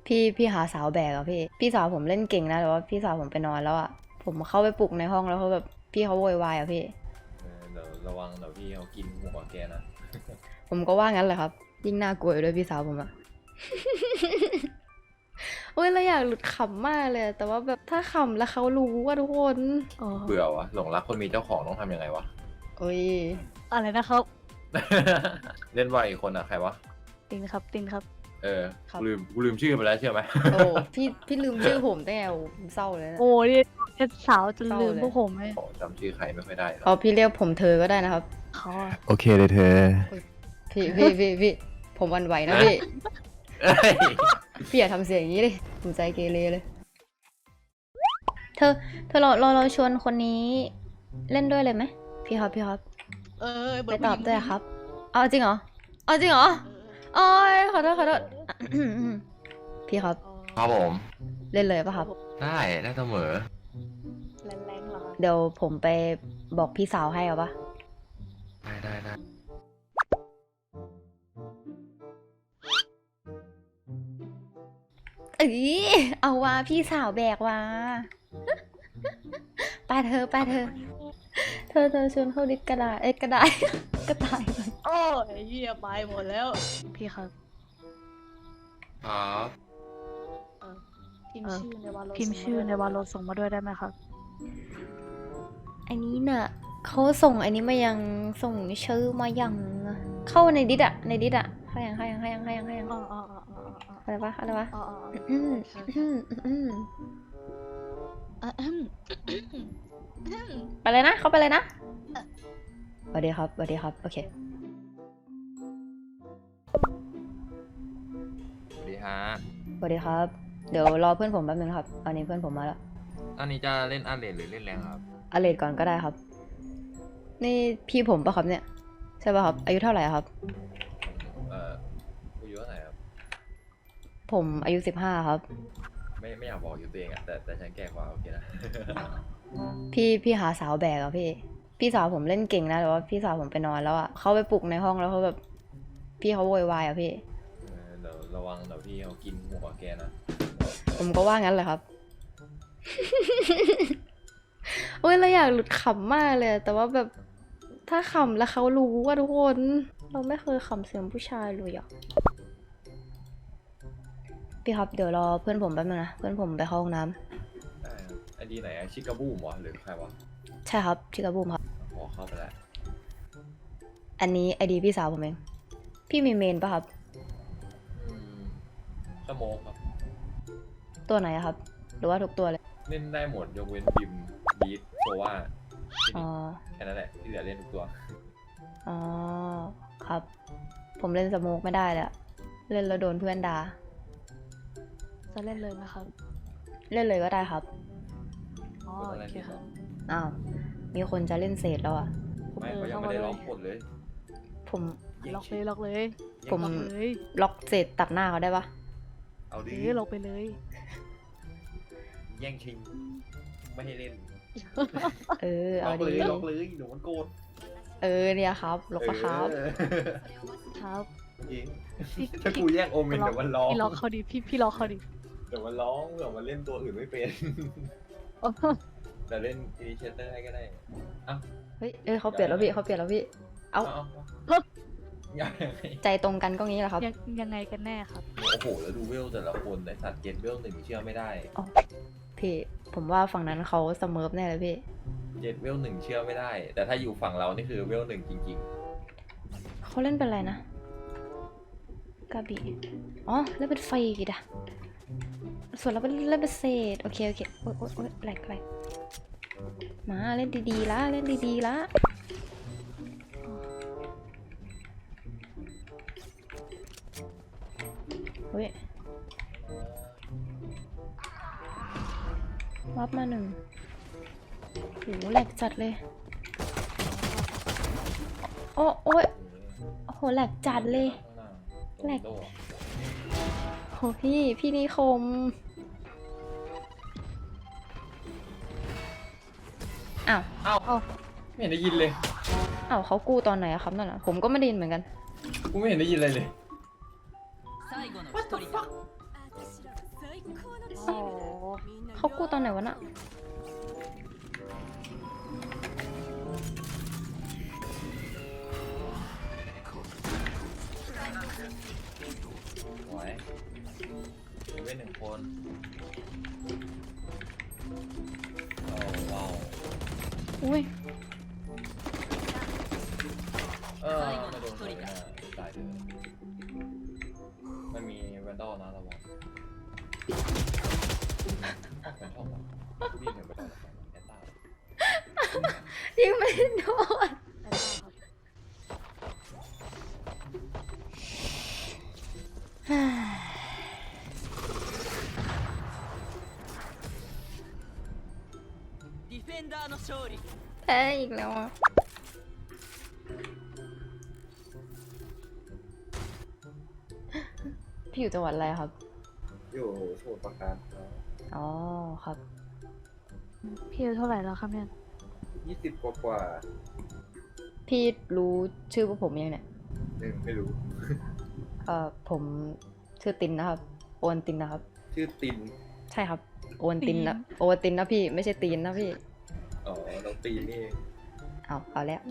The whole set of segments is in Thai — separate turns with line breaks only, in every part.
พี่หาสาวแบกอะพี่สาวผมเล่นเก่งนะแต่ว่าพี่สาวผมไปนอนแล้วอะผมเข้าไปปลุกในห้องแล้วเขาแบบพี่เขาโวยวายอะพี่
เดี๋ยวระวังเดี๋ยวพี่เขากินหัวแกนะ
ผมก็ว่างั้นแหละครับยิ่งน่ากลัวอยู่ด้วยพี่สาวผมอะ โอ้ยเราอยากหลุดขำมากเลยแต่ว่าแบบถ้าขำแล้วเขารู้ว่าทุกคนอ๋อ
เบื่อวะหลงรักคนมีเจ้าของต้องทำยังไงวะ
โอ้ย
อะไรนะครับ
เล่นว่าอีกคนอะใครวะ
ตินครับตินครับ
เออกูลืมชื่อไปแล้วเชื่อไหม
โอ้พี่ลืมชื่อผมได้ไงโอ้ผมเศร้าเลยนะ
โอ้ยเช็ดสาวจนลืม
เศร้าเลย
พวกผมเลย
โอ้จำชื่อใครไม่ค่อยได้หร
เอา
อก
พี่เรียกผมเธอก็ได้นะครับ
เขาอะ
โอเคเลยเธอ
พี่ผมหวันไหวนะพี่
เอ้ย
พี่อย่าทำเสียงอย่างนี้เลยผมใจเกเรเลย เธอเราชวนคนนี้เล่นด้วยเลยไหมพี่ครับ ไปตอบด้วยครับ เอาจริงเหรอโอ้ยขอโทษพี่ครับ
ครับผม
เล่นเลยปะครับ
ได้เสมอ
แรงๆเหรอครับ
เดี๋ยวผมไปบอกพี่สาวให้เอาปะ
ได้
เอ้ยเอาว่าพี่สาวแบกว่า ไปเธอชวนเข้าดิสกระดาษกระดาษ กระต่าย
โอ้ยเหี้ยไปหมดแล้ว พี่ครับ
ครับ
พิมพ์ชื่อในวาโลส่งมาด้วยได้ไหมครับ
อันนี้น่ะเขาส่งอันนี้มายังส่งชื่อมายังเข้าในดิสอะเข้ายัง
อ๋อ
อะไรวะ
อ๋อ
ไปเลยนะเข้าไปเลยนะสวัสดีครับโอเค
สวัสดีฮะ
สวัสดีครับเดี๋ยวรอเพื่อนผมแป๊บนึงครับอันนี้เพื่อนผมมาแล้ว
ตอนนี้จะเล่นอาร์เรนหรือเล่นแรงครับ
อเลดก่อนก็ได้ครับ นี่พี่ผมปะครับเนี่ยใช่ปะครับอายุเท่าไหร่ครับ
อายุเท่าไหร่ครับ
ผมอายุ15ครับ
ไม่อยากบอกอยู่ตัวเองอะแต่ฉันแก่กว่าโอเคนะ
พี่หาสาวแบกอะพี่สาวผมเล่นเก่งนะแต่ว่าพี่สาวผมไปนอนแล้วอะเข้าไปปลุกในห้องแล้วเขาแบบพี่เขาโวยวายอะพี่
เดี๋ยวระวังเดี๋ยวพี่เขากินหัวแกนะ
ผมก็ว่างั้นแหละครับ โอ้ยเราอยากหลุดขำมากเลยแต่ว่าแบบถ้าขำแล้วเขารู้ว่าทุกคนเราไม่เคยขำเสียงผู้ชายเลยอะพี่ครับเดี๋ยวรอเพื่อนผมแป๊บนึงนะเพื่อนผมไปเข้าห้องน้ำ
ได้ครับไอดีไหนอะชิคาบูมวะหรือใครวะ
ใช่ครับชิคาบูมครับ
ขอเข้าไปแล้ว
อันนี้ไอดีพี่สาวผมเองพี่มีเมนปะครับ
ชั่วโมงครับ
ตัวไหนอะครับ หรือว่าทุกตัวเลย
เล่นได้หมดยกเว้นบิมบีทโซว่า
อ๋อ
แค่นั้นแหละที่เหลือเล่นทุกตัว
อ๋อครับ ผมเล่นสโมกไม่ได้เลยอะเล่นแล้วโดนเพื่อนด่า
จะเล่นเลยไหมครับ
เล่นเลยก็ได้ครับ
อ๋อโอเคครับ
อ้าวมีคนจะเล่นเศษแล้วอะ
ไม่เขายังไม่ได้ล็อกกดเลย
ผม
ล็อกเลย
ผม
ล็อกเลย
ล็อกเศษตัดหน้าเขาได้ปะ
เอาดิ
ล็อกไปเลย
แย่งชิง ไม่ให้เล่น
เออเอาดี
ล็อกเลยหนูมันโกรธ
เออเนี่ยครับล็อกปะครับ
ครับ
จริง
พี่
ถ้ากูแย่งโอเมนเดี๋ยวมันร้อง
พี่ล็อกเขาดิพี่ล็อกเขาดิ
เดี๋ยวมันร้องเดี๋ยวมันเล่นตัวอื่นไม่เป็นแต่เล่นอีเชเตอร์ให้ก็ได้เอ้า
เฮ้ยเขาเปลี่ยนแล้วพี่เอา
ยังไง
ใจตรงกันก็งี้แหละครับ
ยังไงกันแน่ครับ
โอ้โหแล้วดูเวลแต่ละคนไอสัตว์เกณฑ์เวลหนึ่งเชื่อไม่ได้
พี่ผมว่าฝั่งนั้นเขาเสมอแน่เลยพี่
เจ็ดเวลหนึ่งเชื่อไม่ได้ แต่ถ้าอยู่ฝั่งเรานี่คือเวลหนึ่งจริง
เขาเล่นเป็นอะไรนะกาบีอ๋อเล่นเป็นไฟกีดอะส่วนเราเป็นเล่นเป็นเศษโอเคโอ๊ยแหลกมาเล่นดีๆละเฮ้ยวับมาหนึ่งโหแหลกจัดเลยโอ้ย
ๆ
โอ้โหแหลกจัดเลย แหลก โหพี่นิคมอ้าว
เอ้าไม่เห็นได้ยินเลย
อ้าวเขากู้ตอนไหนอะครับนั่นน่ะผมก็ไม่ได้ยินเหมือนกัน
กูไม่เห็นได้ยินอะไรเลย
最後の一人だ
โอ้โห
เขากู้ตอนไหนวะน่ะ
หวยมีไว้หนึ่งคนโอ้ว้าว
อุ้ย
ไม่โดนเลยนะตายเลยมันมีแวนดอลนะระวังแวนดอลวะวิ่งถึงไปโดนแอนต้า
ยิงไม่โดน
ディフェンダーの勝利。
แพ้อีกแล้วอ่ะ พี่อยู่จังหวัดอะไรครับ
อยู่สมุทรปราการครับ
อ๋อครับ
พี่อายุเท่าไหร่แล้วครับเนี่ย
20 กว่า
พี่รู้ชื่อพวกผมยังเนี่ย
ไม่รู้
ผมชื่อตินนะครับ โอนตินนะครับ
ชื่อติน
ใช่ครับ โอนตินนะโอนตินนะพี่ ไม่ใช่ตีนนะพี่
อ๋อน้องตีนนี่เอง
เอาแล้ว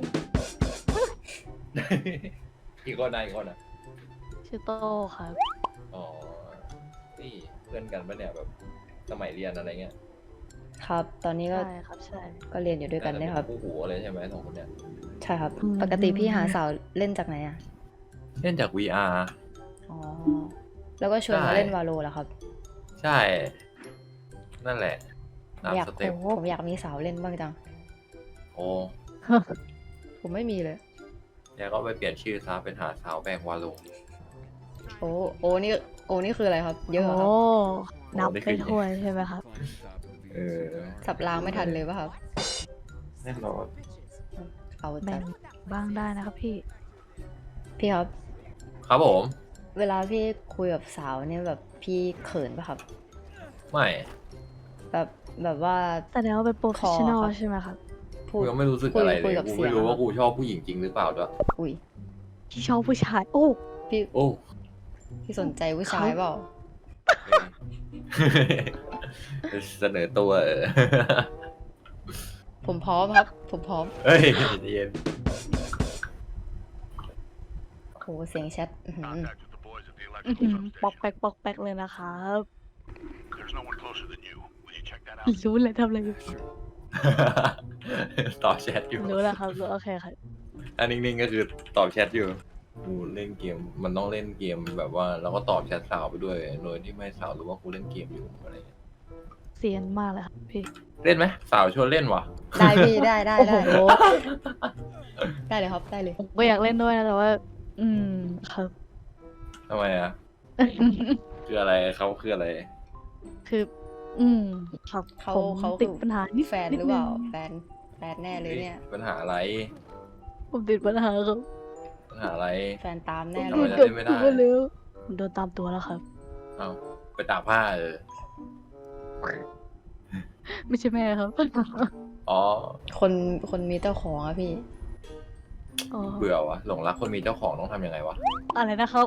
อีกคนนะอีกคนนะ
ชื่อโตครับ
อ๋อนี่เพื่อนกันปะเนี่ยแบบสมัยเรียนอะไรเงี้ย
ครับ ตอนนี้ก็
ใช่ครับใช่
ก็เรียนอยู่ด้วยกันเนี่ยครับ
คู่หูเลยใช่ไหมสองคนเนี่ย
ใช่ครับ
อืม
ปกติพี่หาสาวเล่นจากไหนอ่ะ
เล่นจาก VR
อ๋อ แล้วก็ชวนมา
ใช่
เล่นวาโลเหรอครับ
ใช่ นั่นแหละตาม
อยาก
สเต็ป
ผมอยากมีสาวเล่นบ้างจัง
โอ้
ผมไม่มีเลย
แล้วก็ไปเปลี่ยนชื่อซะเป็นหาสาวแบงวาโล
โอ้นี่คืออะไรครับ เยอะเหรอครับ
โอ้นับ
โอ้ได้
ไป
ขึ้น
ถ้วยใช่ไหมครับ
เออ
สับรางไม่ทันเลยป่ะครับ
แน่นอน
เอา
แบ่
จั
ง
ง
บ้างได้นะครับพี่
พี่ครับ
ครับผม
เวลาพี่คุยกับสาวเนี่ยแบบพี่เขินป่ะครับ
ไม่
แบบว่า
แต่แล้วาเป็นโปรเฟชชั่นอล
คอครับ
ใช่ไหมครับ
พู
กู
ด
ยังไม่รู้สึกอะไร
คุ
เลย ย
กับ
กู
เสีย
ไม่
ง
รู้
ครั
ว่า
บ
กูชอบผู้หญิงจริงหรือเปล่าด้วย
อุ้ย
ที่ชอบผู้ชาย โอ้
พี่
โอ้
พี่สนใจผู้ชายเปล่า
เสนอตัว
ผมพร้อมครับ ผมพร้อม
เฮ้ยเย็น
โหเสียงแชทอื้อหือ
Contact with the boys at the
อื้อหื
electrical
อปอก
substation.
แป๊กปอกแป๊กเลยนะครับ
There's no one closer than you. Will you check that out?
รู้เลยทำอะไรอยู่
ตอบแชทอยู่
รู้แล้วครับรู้โอเคครับ
อันนิ่งๆก็คือตอบแชทอยู่กูเล่นเกมมันต้องเล่นเกมแบบว่าแล้วก็ตอบแชทสาวไปด้วยโดยที่ไม่ให้สาวรู้ว่ากูเล่นเกมอยู่อะไรเงี้ย
เซียนมากเลยครับพี่
เล่นไหมสาวชวนเล่นวะ
ได้พี่ได้
โอ้โห
ได้เลยครับได้เลย
ผมก็อยากเล่นด้วยนะแต่ว่า อืมครับ
ทำไมอ่ะคืออะไรเขาคืออะไร
คือ อืมครับ
เขา
ผม
เขา
ติดปัญหานิด
แฟนหรือเปล่า
นิดนึง
แฟนแน่เลยเนี่ย
ปัญหาอะไร
ผมติดปัญหาครับ
ปัญหาอะไร
แฟนตาม
ผม
แน่
ทำ
เล
ไม
ย
จะ
โด
เล่
น
นไม่
ตั
ได้
วแล้วผมโดนตามตัวแล้วครับ
เอาไปตากผ้า
ไม่ใช่แม่ครับ
อ๋อ
คนมีเจ้าของอะพี่
อ๋อ
เบื่อวะหลงรักคนมีเจ้าของต้องทำยังไงวะ
อะไรนะครับ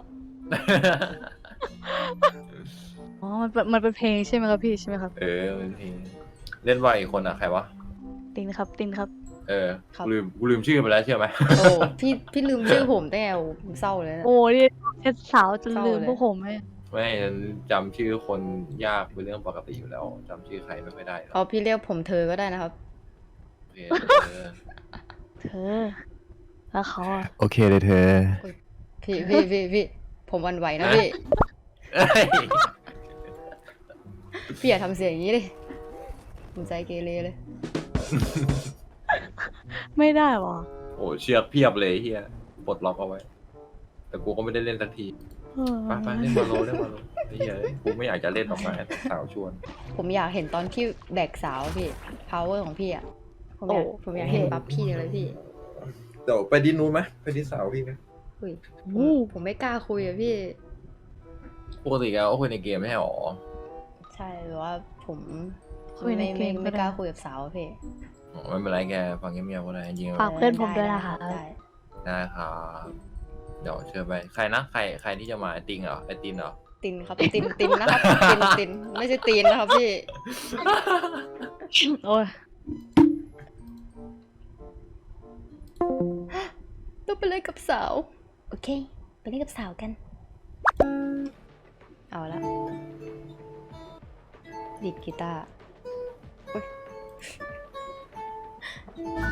อ๋อ มันเป็นเพลงใช่ไหมครับพี่ใช่ไหมครับ
เออเป็นเพลงเล่นว่าอีกคนอ่ะใครวะ
ตินครับ ตินครับ
เออ
ครับ
กูลืมชื่อไปแล้วเชื่อไหม
โอ้พี่ลืมชื่อผมได้ไงโอ้ผมเศร้าเลยนะ
โอ้นี่เช็ดสาวจน
เศร้า
ลืม
เลย
พวกผมไหม
ไม่จำชื่อคนยากเป็นเรื่องปกติอยู่แล้วจำชื่อใครไม่ค่อยได้หรอก
เอาพี่เรียกผมเธอก็ได้นะครับ
โอเคเออ
เธอ แล้วเขาอะ
โอเคเลยเธอ
พี่ผมหวันไหวนะพี่
เอ้ย
พี่อย่าทำเสียงอย่างนี้เลยผมใจเกเรเลย
ไม่ได้หรอ
โอ้เชือกเพียบเลยเฮียปลดล็อกเอาไว้ แต่กูก็ไม่ได้เล่นสักที
เออ
ไปเล่นมาโลไอ้เฮียกูไม่อยากจะเล่นออกมาแต่สาวชวน
ผมอยากเห็นตอนพี่แบกสาวพี่ power ของพี่อะผมอยากเห็นปั๊บพี่เลยพี่
เดี๋ยวไปดินนู้นไหมไปดินสาวพี่ไหม
อุ้ย
อู้
ผมไม่กล้าคุยอะพี่
ปกติแล้วก็คุยในเกมไม่ใช่หรอ
ใช่หรือว่าผม
คุยในเกม
ไม่
ก็
กล้า
ได้
คุยกับสาวอะพี่
อ๋อไม่เป็นไรแกฟังเงียบๆก็ได้จริงๆ
ฝากเพื่อนผมด้วยนะคะ
ได้
ได้ครับเดี๋ยวเชิญไปใครนะใครที่จะมาไอติงเหรอไอตินเหรอ
ตินครับ ตินนะครับ ตินไม่ใช่ตีนนะครับพี่
โอ้ย
ต้องไปเล่นกับสาว โอเค ไปเล่นกับสาวกัน เอาละดีดกีตาร์อุ๊ย